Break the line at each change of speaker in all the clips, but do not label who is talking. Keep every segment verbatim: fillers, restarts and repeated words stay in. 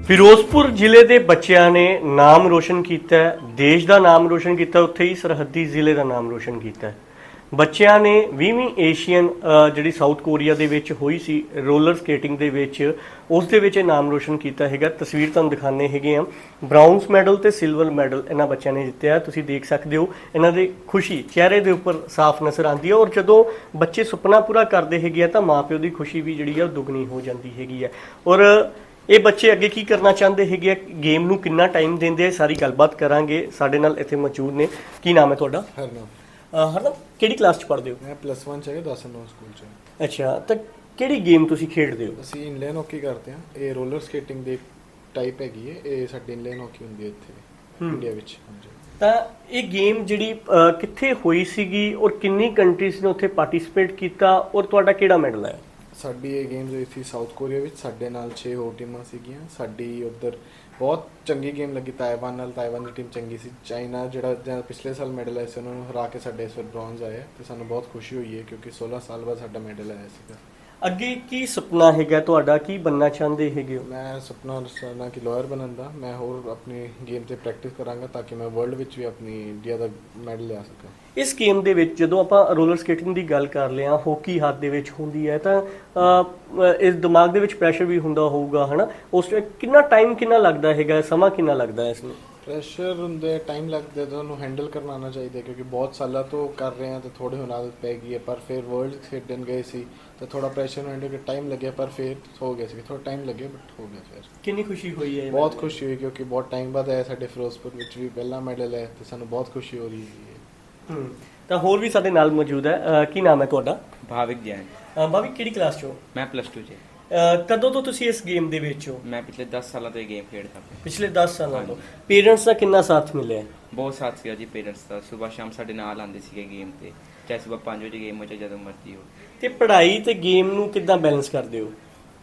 ਫਿਰੋਜ਼ਪੁਰ ਜ਼ਿਲ੍ਹੇ ਦੇ ਬੱਚਿਆਂ ਨੇ ਨਾਮ ਰੋਸ਼ਨ ਕੀਤਾ ਹੈ, ਦੇਸ਼ ਦਾ ਨਾਮ ਰੋਸ਼ਨ ਕੀਤਾ, ਉੱਥੇ ਹੀ ਸਰਹੱਦੀ ਜ਼ਿਲ੍ਹੇ ਦਾ ਨਾਮ ਰੋਸ਼ਨ ਕੀਤਾ ਹੈ। ਬੱਚਿਆਂ ਨੇ ਵੀਹਵੀਂ ਏਸ਼ੀਅਨ ਜਿਹੜੀ ਸਾਊਥ ਕੋਰੀਆ ਦੇ ਵਿੱਚ ਹੋਈ ਸੀ ਰੋਲਰ ਸਕੇਟਿੰਗ ਦੇ ਵਿੱਚ, ਉਸ ਦੇ ਵਿੱਚ ਇਹ ਨਾਮ ਰੋਸ਼ਨ ਕੀਤਾ ਹੈਗਾ। ਤਸਵੀਰ ਤੁਹਾਨੂੰ ਦਿਖਾਉਂਦੇ ਹੈਗੇ ਆ, ਬ੍ਰਾਊਨਸ ਮੈਡਲ ਤੇ ਸਿਲਵਰ ਮੈਡਲ ਇਹਨਾਂ ਬੱਚਿਆਂ ਨੇ ਜਿੱਤਿਆ। ਤੁਸੀਂ ਦੇਖ ਸਕਦੇ ਹੋ ਇਹਨਾਂ ਦੀ ਖੁਸ਼ੀ ਚਿਹਰੇ ਦੇ ਉੱਪਰ ਸਾਫ਼ ਨਜ਼ਰ ਆਉਂਦੀ ਹੈ। ਔਰ ਜਦੋਂ ਬੱਚੇ ਸੁਪਨਾ ਪੂਰਾ ਕਰਦੇ ਹੈਗੇ ਆ ਤਾਂ ਮਾਪਿਓ ਦੀ ਖੁਸ਼ੀ ਵੀ ਜਿਹੜੀ ਆ ਦੁੱਗਣੀ ਹੋ ਜਾਂਦੀ ਹੈਗੀ ਹੈ। ਔਰ ਇਹ ਬੱਚੇ ਅੱਗੇ ਕੀ ਕਰਨਾ ਚਾਹੁੰਦੇ ਹੈਗੇ ਆ, ਗੇਮ ਨੂੰ ਕਿੰਨਾ ਟਾਈਮ ਦਿੰਦੇ ਆ, ਸਾਰੀ ਗੱਲਬਾਤ ਕਰਾਂਗੇ। ਸਾਡੇ ਨਾਲ ਇੱਥੇ ਮੌਜੂਦ ਨੇ। ਕੀ ਨਾਮ ਹੈ ਤੁਹਾਡਾ?
ਹਰਨਾਮ।
ਹਰਨਾਮ, ਕਿਹੜੀ ਕਲਾਸ 'ਚ ਪੜ੍ਹਦੇ ਹੋ?
ਮੈਂ ਪਲੱਸ ਵਨ 'ਚ ਹੈਗਾ, ਦਸ ਨੌ ਸਕੂਲ 'ਚ।
ਅੱਛਾ, ਤਾਂ ਕਿਹੜੀ ਗੇਮ ਤੁਸੀਂ ਖੇਡਦੇ ਹੋ?
ਅਸੀਂ ਇਨਲਾਈਨ ਹਾਕੀ ਕਰਦੇ ਹਾਂ। ਇਹ ਰੋਲਰ ਸਕੇਟਿੰਗ ਦੀ ਟਾਈਪ ਹੈਗੀ ਹੈ। ਇਹ ਸਾਡੀ ਇਨਲਾਈਨ ਹਾਕੀ ਹੁੰਦੀ ਹੈ ਇੱਥੇ ਇੰਡੀਆ ਵਿੱਚ। ਹਾਂਜੀ।
ਤਾਂ ਇਹ ਗੇਮ ਜਿਹੜੀ ਅਹ, ਕਿੱਥੇ ਹੋਈ ਸੀਗੀ ਔਰ ਕਿੰਨੀ ਕੰਟਰੀਜ਼ ਨੇ ਉੱਥੇ ਪਾਰਟਿਸਿਪੇਟ ਕੀਤਾ ਔਰ ਤੁਹਾਡਾ ਕਿਹੜਾ ਮੈਡਲ ਆਇਆ?
ਸਾਡੀ ਇਹ ਗੇਮਸ ਹੋਈ ਸੀ ਸਾਊਥ ਕੋਰੀਆ ਵਿੱਚ। ਸਾਡੇ ਨਾਲ ਛੇ ਹੋਰ ਟੀਮਾਂ ਸੀਗੀਆਂ। ਸਾਡੀ ਉੱਧਰ ਬਹੁਤ ਚੰਗੀ ਗੇਮ ਲੱਗੀ ਤਾਇਵਾਨ ਨਾਲ। ਤਾਇਵਾਨ ਦੀ ਟੀਮ ਚੰਗੀ ਸੀ। ਚਾਈਨਾ ਜਿਹੜਾ ਜਿਹੜਾ ਪਿਛਲੇ ਸਾਲ ਮੈਡਲ ਆਇਆ ਸੀ, ਉਹਨਾਂ ਨੂੰ ਹਰਾ ਕੇ ਸਾਡੇ ਇਸ ਵਾਰ ਬ੍ਰੌਂਜ਼ ਆਇਆ ਤੇ ਸਾਨੂੰ ਬਹੁਤ ਖੁਸ਼ੀ ਹੋਈ ਹੈ ਕਿਉਂਕਿ ਸੋਲਾਂ ਸਾਲ ਬਾਅਦ ਸਾਡਾ ਮੈਡਲ ਆਇਆ ਸੀਗਾ।
ਅੱਗੇ ਕੀ ਸੁਪਨਾ ਹੈਗਾ ਤੁਹਾਡਾ? ਕੀ ਬਣਨਾ ਚਾਹੁੰਦੇ ਹੈਗੇ ਹੋ?
ਮੈਂ ਸੁਪਨਾ ਰਚਨਾ ਕਿ ਲਾਇਰ ਬਣਨ ਦਾ। ਮੈਂ ਹੋਰ ਆਪਣੀ ਗੇਮ ਤੇ ਪ੍ਰੈਕਟਿਸ ਕਰਾਂਗਾ ਤਾਂ ਕਿ ਮੈਂ ਵਰਲਡ ਵਿੱਚ ਵੀ ਆਪਣੀ ਇੰਡੀਆ ਦਾ ਮੈਡਲ ਲਿਆ ਸਕਾਂ। ਇਸ
ਇਸ ਗੇਮ ਦੇ ਵਿੱਚ ਜਦੋਂ ਆਪਾਂ ਰੋਲਰ ਸਕੇਟਿੰਗ ਦੀ ਗੱਲ ਕਰ ਲਿਆ, ਹਾਕੀ ਹੱਥ ਦੇ ਵਿੱਚ ਹੁੰਦੀ ਹੈ ਤਾਂ ਅਹ, ਇਸ ਦਿਮਾਗ ਦੇ ਵਿੱਚ ਪ੍ਰੈਸ਼ਰ ਵੀ ਹੁੰਦਾ ਹੋਊਗਾ, ਹਨਾ? ਉਸ ਵਿੱਚ ਕਿੰਨਾ ਟਾਈਮ ਕਿੰਨਾ ਲੱਗਦਾ ਹੈਗਾ, ਸਮਾਂ ਕਿੰਨਾ ਲੱਗਦਾ ਇਸ ਨੂੰ?
ਪ੍ਰੈਸ਼ਰ ਹੁੰਦੇ, ਟਾਈਮ ਲੱਗਦਾ, ਤੁਹਾਨੂੰ ਹੈਂਡਲ ਕਰਨਾ ਆਉਣਾ ਚਾਹੀਦਾ ਕਿਉਂਕਿ ਬਹੁਤ ਸਾਲਾਂ ਤੋਂ ਕਰ ਰਹੇ ਹਾਂ ਤੇ ਥੋੜੀ ਹੁਣ ਆਦਤ ਪੈ ਗਈ ਹੈ। ਪਰ ਫਿਰ ਵਰਲਡ ਖੇਡਣ ਗਏ ਸੀ ਤਾਂ ਥੋੜਾ ਪ੍ਰੈਸ਼ਰ ਨੂੰ ਹੈਂਡਲ ਕਰ ਟਾਈਮ ਲੱਗਿਆ, ਪਰ ਫਿਰ ਹੋ ਗਿਆ ਸੀ। ਥੋੜਾ ਟਾਈਮ ਲੱਗਿਆ ਬਟ ਹੋ ਗਿਆ। ਫਿਰ
ਕਿੰਨੀ ਖੁਸ਼ੀ ਹੋਈ ਹੈ?
ਬਹੁਤ ਖੁਸ਼ੀ ਹੋਈ ਕਿਉਂਕਿ ਬਹੁਤ ਟਾਈਮ ਬਾਅਦ ਆਇਆ। ਸਾਡੇ ਫਿਰੋਜ਼ਪੁਰ ਵਿੱਚ ਵੀ ਪਹਿਲਾ ਮੈਡਲ ਹੈ ਤੇ ਸਾਨੂੰ ਬਹੁਤ ਖੁਸ਼ੀ ਹੋ ਰਹੀ ਹੈ।
ਹੂੰ, ਤਾਂ ਹੋਰ ਵੀ ਸਾਡੇ ਨਾਲ ਮੌਜੂਦ ਹੈ। ਅਹ, ਕੀ ਨਾਮ ਹੈ ਤੁਹਾਡਾ?
ਭਾਵਿਕ ਜੈਨ।
ਅਹ, ਭਾਵਿਕ, ਕਿਹੜੀ ਕਲਾਸ 'ਚ ਹੋ?
ਮੈਂ ਪਲੱਸ ਟੂ 'ਚ।
ਅਹ, ਕਦੋਂ ਤੋਂ ਤੁਸੀਂ ਇਸ ਗੇਮ ਦੇ ਵਿੱਚ ਹੋ?
ਮੈਂ ਪਿਛਲੇ ਦਸ ਸਾਲਾਂ ਤੋਂ ਇਹ ਗੇਮ ਖੇਡਦਾ ਪਿਆ।
ਪਿਛਲੇ ਦਸ ਸਾਲਾਂ ਤੋਂ। ਪੇਰੈਂਟਸ ਦਾ ਕਿੰਨਾ ਸਾਥ ਮਿਲਿਆ?
ਬਹੁਤ ਸਾਥ ਸੀਗਾ ਜੀ ਪੇਰੈਂਟਸ ਦਾ। ਸਵੇਰ ਸ਼ਾਮ ਸਾਡੇ ਨਾਲ ਆਉਂਦੇ ਸੀਗੇ ਗੇਮ ਤੇ, ਚਾਹੇ ਸਵੇਰ ਪੰਜ ਵਜੇ ਗੇਮ ਹੋ ਚਾਹੇ ਜਦੋਂ ਮਰਜ਼ੀ ਹੋ।
ਤੇ ਪੜ੍ਹਾਈ ਤੇ ਗੇਮ ਨੂੰ ਕਿੱਦਾਂ ਬੈਲੈਂਸ ਕਰਦੇ ਹੋ?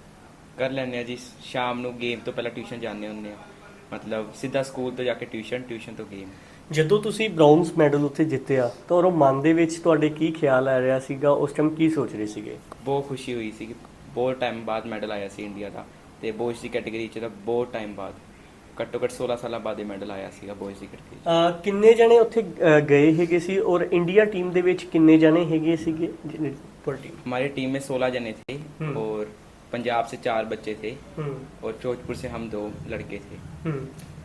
ਕਰ ਲੈਂਦੇ ਆ ਜੀ। ਸ਼ਾਮ ਨੂੰ ਗੇਮ ਤੋਂ ਪਹਿਲਾਂ ਟਿਊਸ਼ਨ ਜਾਂਦੇ ਹੁੰਦੇ ਆ, ਮਤਲਬ ਸਿੱਧਾ ਸਕੂਲ ਤੋਂ ਜਾ ਕੇ ਟਿਊਸ਼ਨ, ਟਿਊਸ਼ਨ ਤੋਂ ਗੇਮ।
ਜਦੋਂ ਤੁਸੀਂ ਬ੍ਰਾਊਨਸ ਮੈਡਲ ਉੱਥੇ ਜਿੱਤਿਆ ਤਾਂ ਉਹ ਮਨ ਦੇ ਵਿੱਚ ਤੁਹਾਡੇ ਕੀ ਖਿਆਲ ਆ ਰਿਹਾ ਸੀਗਾ? ਉਸ ਟਾਈਮ ਕੀ ਸੋਚ ਰਹੇ ਸੀਗੇ?
ਬਹੁਤ ਖੁਸ਼ੀ ਹੋਈ ਸੀ। ਬਹੁਤ ਟਾਈਮ ਬਾਅਦ ਮੈਡਲ ਆਇਆ ਸੀ ਇੰਡੀਆ ਦਾ, ਤੇ ਬੋਇਜ਼ ਦੀ ਕੈਟਾਗਰੀ 'ਚ ਤਾਂ ਬਹੁਤ ਟਾਈਮ ਬਾਅਦ, ਘੱਟੋ ਘੱਟ ਸੋਲਾਂ ਸਾਲਾਂ ਬਾਅਦ ਇਹ ਮੈਡਲ ਆਇਆ ਸੀਗਾ ਬੋਇਜ਼ ਦੀ ਕੈਟਾਗਰੀ 'ਚ।
ਅਹ, ਕਿੰਨੇ ਜਣੇ ਉੱਥੇ ਅਹ, ਗਏ ਹੈਗੇ ਸੀ ਔਰ ਇੰਡੀਆ ਟੀਮ ਦੇ ਵਿੱਚ ਕਿੰਨੇ ਜਣੇ ਹੈਗੇ ਸੀਗੇ ਪਰ ਟੀਮ?
हमारी टीम में सोलह जने थे और पंजाब से चार बच्चे थे
ਹੂੰ
और जोधपुर से हम दो लड़के थे।
ਹੂੰ।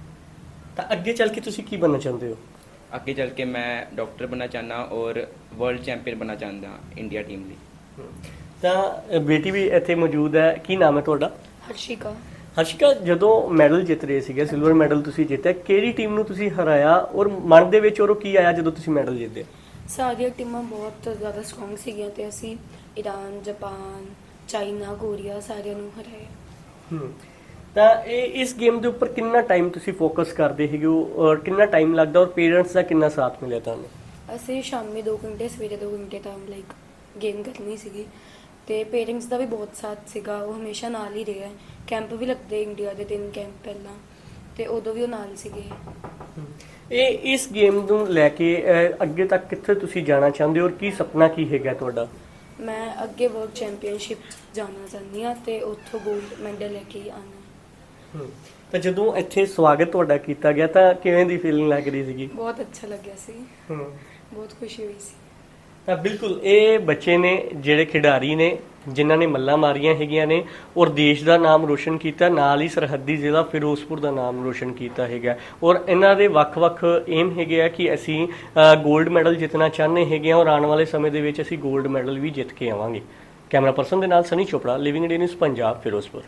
ਤਾਂ ਅੱਗੇ ਚੱਲ ਕੇ ਤੁਸੀਂ ਕੀ ਬਣਨਾ ਚਾਹੁੰਦੇ ਹੋ?
आगे चल के मैं डॉक्टर बनना चाहना और वर्ल्ड चैंपियन बनना चाहता इंडिया टीम ਲਈ।
ਹੂੰ। ਤਾਂ ਅਹ, ਬੇਟੀ ਵੀ ਇੱਥੇ ਮੌਜੂਦ ਹੈ। ਕੀ ਨਾਮ ਹੈ ਤੁਹਾਡਾ?
ਹਰਸ਼ਿਕਾ।
ਹਰਸ਼ਿਕਾ, ਜਦੋਂ ਮੈਡਲ ਜਿੱਤ ਰਹੇ ਸੀਗੇ, ਸਿਲਵਰ ਮੈਡਲ ਤੁਸੀਂ ਜਿੱਤਿਆ, ਕਿਹੜੀ ਟੀਮ ਨੂੰ ਤੁਸੀਂ ਹਰਾਇਆ ਔਰ ਮਨ ਦੇ ਵਿੱਚ ਔਰ ਕੀ ਆਇਆ ਜਦੋਂ ਤੁਸੀਂ ਮੈਡਲ ਜਿੱਤੇ?
ਸਾਰੀਆਂ ਟੀਮਾਂ ਬਹੁਤ ਜ਼ਿਆਦਾ ਸਟਰੋਂਗ ਸੀਗੀਆਂ ਤੇ ਅਸੀਂ ਈਰਾਨ, ਜਾਪਾਨ, ਚਾਈਨਾ, ਕੋਰੀਆ ਸਾਰਿਆਂ ਨੂੰ ਹਰਾਇਆ।
ਹੂੰ। ਤਾਂ ਇਹ ਇਸ ਗੇਮ ਦੇ ਉੱਪਰ ਕਿੰਨਾ ਟਾਈਮ ਤੁਸੀਂ ਫੋਕਸ ਕਰਦੇ ਹੈਗੇ ਹੋ ਔਰ ਕਿੰਨਾ ਟਾਈਮ ਲੱਗਦਾ ਔਰ ਪੇਰੈਂਟਸ ਦਾ ਕਿੰਨਾ ਸਾਥ ਮਿਲਿਆ ਤੁਹਾਨੂੰ?
ਅਸੀਂ ਸ਼ਾਮੀ ਦੋ ਘੰਟੇ, ਸਵੇਰੇ ਦੋ ਘੰਟੇ ਤਾਂ ਲਾਈਕ ਗੇਮ ਕਰਨੀ ਸੀਗੀ ਤੇ ਪੇਰੈਂਟਸ ਦਾ ਵੀ ਬਹੁਤ ਸਾਥ ਸੀਗਾ। ਉਹ ਹਮੇਸ਼ਾ ਨਾਲ ਹੀ ਰਿਹਾ। ਕੈਂਪ ਵੀ ਲੱਗਦੇ ਇੰਡੀਆ ਦੇ, ਤਿੰਨ ਕੈਂਪ ਪਹਿਲਾਂ, ਤੇ ਉਦੋਂ ਵੀ ਉਹ ਨਾਲ ਸੀਗੇ।
ਇਹ ਇਸ ਗੇਮ ਨੂੰ ਲੈ ਕੇ ਅਹ, ਅੱਗੇ ਤੱਕ ਕਿੱਥੇ ਤੁਸੀਂ ਜਾਣਾ ਚਾਹੁੰਦੇ ਹੋ ਔਰ ਕੀ ਸੁਪਨਾ ਕੀ ਹੈਗਾ ਤੁਹਾਡਾ?
ਮੈਂ ਅੱਗੇ ਵਰਲਡ ਚੈਂਪੀਅਨਸ਼ਿਪ ਜਾਣਾ ਚਾਹੁੰਦੀ ਹਾਂ ਤੇ ਉੱਥੋਂ 골ਡ ਮੈਡਲ ਲੈ ਕੇ ਆਉਣਾ।
ਹੂੰ। ਤਾਂ ਜਦੋਂ ਇੱਥੇ ਸਵਾਗਤ ਤੁਹਾਡਾ ਕੀਤਾ ਗਿਆ ਤਾਂ ਕਿਵੇਂ ਦੀ ਫੀਲਿੰਗ ਲੱਗ ਰਹੀ ਸੀਗੀ?
ਬਹੁਤ ਅੱਛਾ ਲੱਗਿਆ ਸੀ।
ਹੂੰ।
ਬਹੁਤ ਖੁਸ਼ੀ ਹੋਈ ਸੀ।
ਤਾਂ ਬਿਲਕੁਲ ਇਹ ਬੱਚੇ ਨੇ ਜਿਹੜੇ ਖਿਡਾਰੀ ਨੇ ਜਿਨ੍ਹਾਂ ਨੇ ਮੱਲਾਂ ਮਾਰੀਆਂ ਹੈਗੀਆਂ ਨੇ ਔਰ ਦੇਸ਼ ਦਾ ਨਾਮ ਰੋਸ਼ਨ ਕੀਤਾ, ਨਾਲ ਹੀ ਸਰਹੱਦੀ ਜ਼ਿਲ੍ਹਾ ਫਿਰੋਜ਼ਪੁਰ ਦਾ ਨਾਮ ਰੋਸ਼ਨ ਕੀਤਾ ਹੈਗਾ। ਔਰ ਇਹਨਾਂ ਦੇ ਵੱਖ-ਵੱਖ ਏਮ ਹੈਗੇ ਆ ਕਿ ਅਸੀਂ 골ਡ ਮੈਡਲ ਜਿੱਤਣਾ ਚਾਹੁੰਦੇ ਹੈਗੇ ਆ ਔਰ ਆਉਣ ਵਾਲੇ ਸਮੇਂ ਦੇ ਵਿੱਚ ਅਸੀਂ 골ਡ ਮੈਡਲ ਵੀ ਜਿੱਤ ਕੇ ਆਵਾਂਗੇ। ਕੈਮਰਾ ਪਰਸਨ ਦੇ ਨਾਲ Sunny Chopra, living India news Punjab, Firozpur.